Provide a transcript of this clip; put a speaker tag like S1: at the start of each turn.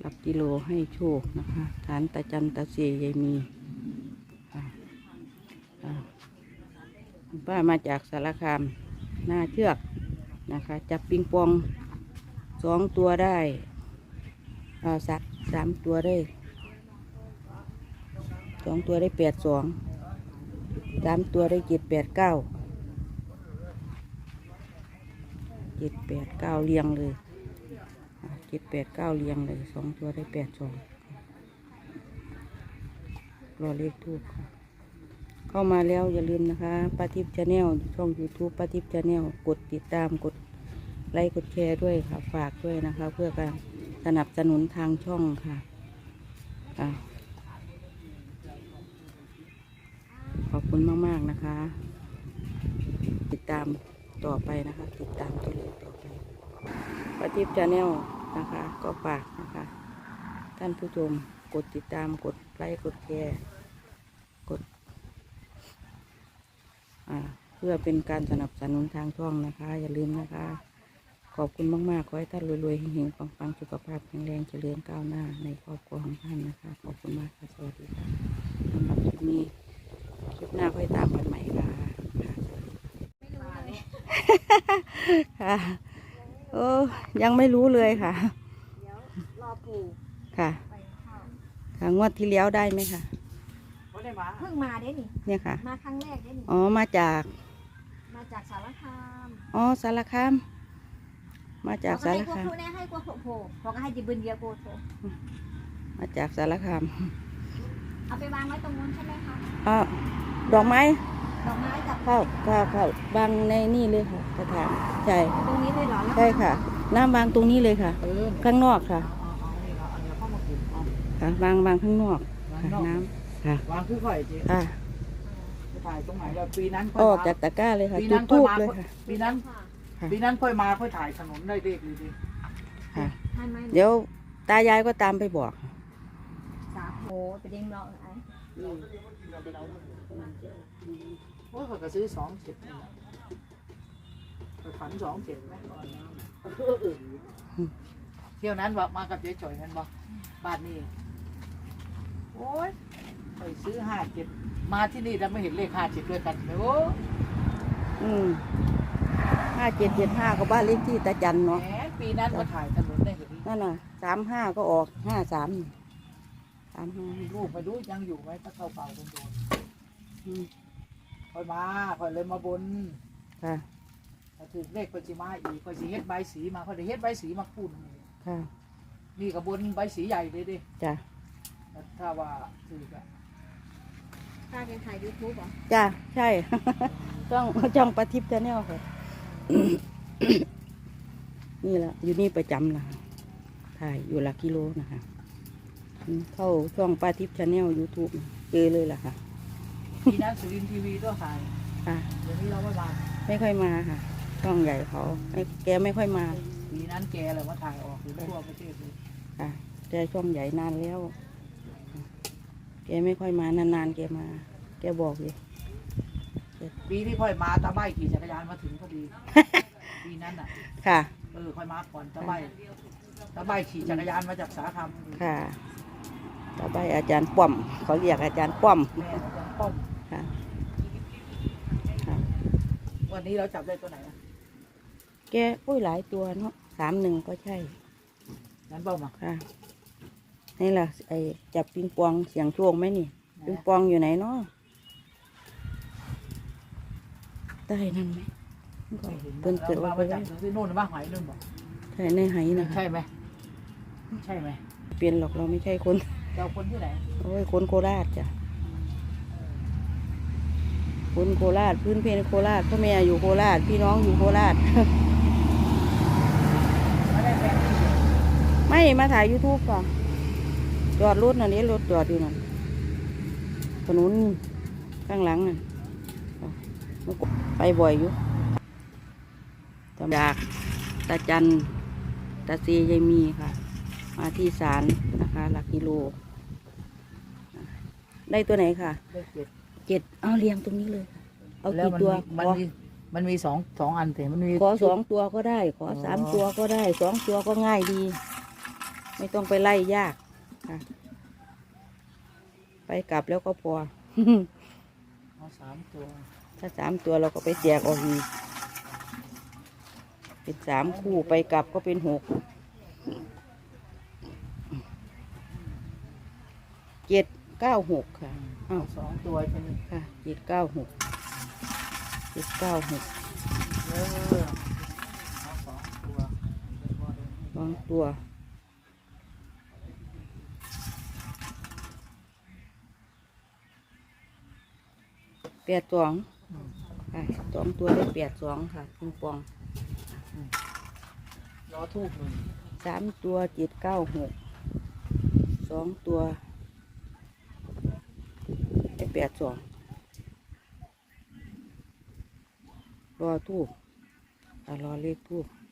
S1: ลับกิโลให้โชคนะคะฐานตาจันตาเสียยายมีป้ามาจากสารคามหน้าเชือกนะคะจับปิงปอง2 ตัวได้สัก3 ตัวได้2 ตัวได้82 3 ตัวได้789 789เรียงเลย789เรียงเลย2 ตัวได้82รอเลขทูปเข้ามาแล้วอย่าลืมนะคะป้าทิพย์ชาแนลช่อง YouTube ป้าทิพย์ชาแนลกดติดตามกดไลค์กดแชร์ด้วยค่ะฝากด้วยนะคะเพื่อการสนับสนุนทางช่องค่ะขอบคุณมากๆนะคะติดตามต่อไปนะคะติดตามตัวเลขต่อไปป้าทิพย์ชาแนลนะคะก็ฝากนะคะท่านผู้ชมกดติดตามกดไลค์กดแชร์กดเพื่อเป็นการสนับสนุนทางช่องนะคะอย่าลืมนะคะขอบคุณมากๆขอให้ท่านรวยๆเฮงๆปังๆสุขภาพแข็งแรงเจริญก้าวหน้าในครอบครัวของท่านนะคะขอบคุณมากค่ะสวัสดีค่ะสำหรับคลิปนี้คลิปหน้าค่อยตามกันใหม่ค่ะค่ะโอ้ยังไม่รู้เลยค่ะ
S2: เดี๋ยวรอปู่
S1: ค่ะ
S2: ไปเข้า
S1: ค่ะงวดที่แล้วได้ไหมคะ
S2: เพิ่งมาเด้นี่
S1: เนี่ยค่ะ
S2: มาครั้งแรกเด้นี่
S1: อ๋อมาจาก
S2: สารคาม
S1: อ๋อสารคามมาจากสารคาม
S2: เขาให้กลัวโผล่เขาก็ให้จิบึนเดียวโผล่
S1: มาจากสารคาม
S2: เอาไปวางไว้ตรงนู้นใช่ไหมคะ
S1: ดอกไม้
S2: กับ
S1: เข้าบางในนี่เลยค่ะกระถางใช่
S2: ตรงนี้เลยเหรอ
S1: ใช่ค่ะน้ำวางตรงนี้เลยค่ะข้างนอกค่ะค่ะวางข้างนอกค่ะน้ำค่ะ
S3: วางคือข่อยจี
S1: ค่ะ
S3: ถ่ายตรงไหนเราปีนั้น
S1: ออกจากตะกร้าเลยค่ะจุดทูบเลยค่ะ
S3: ปีนั้นค่อยมาค่อยถ่ายถนนได้เลขดี
S1: ๆค่ะเดี๋ยวตายายก็ตามไปบอก
S2: สาโหไปเด้งเราไอ้
S3: โอ้ยเขาก็ซื้อ27ไปฝัน27ไหมเที่ยวนั้นบอกมากับเจ๊จ่อยนั่นบอกบ้านนี้โอ้ยไปซื้อ57มาที่นี่แล้วไม่เห็นเลข57ด้วยกันเลยโอ้
S1: 5775ก็บ้านเลขที่ตาจันเนาะ
S3: ปีนั้นก็ถ่ายถนนได้เห็น
S1: นั่นน่ะ35ก็ออก53
S3: ลูกไปดูยังอยู่ไหมถ้าเข้าเป่าโดนค่อยมาค่อยเลยมาบน
S1: ค่ะ
S3: ถ้าถึงเลขก็จะมาอีกก็จะเฮ็ดใบสีมาค่อยได้เฮ็ดใบสีมาคูณ
S1: ค่ะ
S3: นี่กับบนใบสีใหญ่เลยดิ
S1: จ้ะ
S3: ถ้าว่าถือก็
S2: ป้าเป็นถ่ายยูทูบเหรอ
S1: จ้ะใช่จ้องป้าทิพย์ชาแนลค่ะนี่แหละอยู่นี่ประจำนะถ่ายอยู่หลักกิโลนะคะเข้าช่องป้าทิพย์ชาแนล YouTube เจอเลยล่ะค่ะ
S3: ที่นั่นสุรินทร์ทีวีก็ถ่าย
S1: ค่ะ
S3: เดี๋ยวนี้เรา
S1: ไม่ค่อยมาค่ะช่องใหญ่เขาแกไม่ค่อยมา
S3: ปีนั้นแกเลยมาถ่ายออกถึงทั่วประเทศเลย
S1: ค่ะแกช่องใหญ่นานแล้วแกไม่ค่อยมานานๆแกมาแกบอกเลย
S3: ปีที่ค่อยมาตาใบขี่จักรยานมาถึงพอดีปีนั้นอ่ะ
S1: ค่ะ
S3: ค่อยมาก่อนตาใบขี่จักรยานมาจากสารคาม
S1: ค่ะตาใบอาจารย์ป้อมเขาเรียกอาจารย์ป้อม
S3: อาจารย์ป้อม
S1: ค่ะ
S3: วันนี้เราจับได้ตัวไหน
S1: แกหลายตัวเนาะ31ก็ใช่
S3: นั้นเปล่ามา
S1: ค่ะนี่แหละไอ้จับปิงปองเสียงโชคไหมนี่ปิงปองอยู่ไหนเนาะได้นั่นไหม
S3: เพิ่นเกิดว่าไปจับที่โน่นบ้างหอยนู่นบอก
S1: ใช่ในหายนะ
S3: ใช่ไหมใช่ไหม
S1: เปลี่ยนหรอกเราไม่ใช่คน
S3: เราคนที่ไหน
S1: โอ้ยคนโคราชจ้ะคนโคราชพื้นเพโคราชพ่อแม่อยู่โคราชพี่น้องอยู่โคราชไม่มาถ่าย YouTube ก่อนจอดรถนั่นนี่รถจอดอยู่นั่นถนนข้างหลังน่ะไปบ่อยอยู่จากตาจันตาเซยายมีค่ะมาที่ศาลนะคะหลักกิโลได้ตัวไหนค่ะ
S3: ได้7
S1: เอาเรียงตรงนี้เลยเอากี่ตัว
S3: มันมีสองอันแต่มันมี
S1: ขอ2 ตัวก็ได้ขอ3 ตัวก็ได้2 ตัวก็ง่ายดีไม่ต้องไปไล่ยากค่ะไปกลับแล้วก็พอ
S3: เอา3 ตัว
S1: ถ้า3 ตัวเราก็ไปแจกออกอีกเป็น3 คู่ไปกลับก็เป็น6 796ค่ะอ้าว
S3: เอา2 ตัวใช่ไหม
S1: ค่ะ796 796
S3: เออเอา2 ตัว
S1: 2 ตัว82ค่ะ2 ตัวได้82ค่ะปิงปอง
S3: ล้อทูบหนึ่ง
S1: 3 ตัว796 2 ตัวได้82รอทูบรอเลขทูบ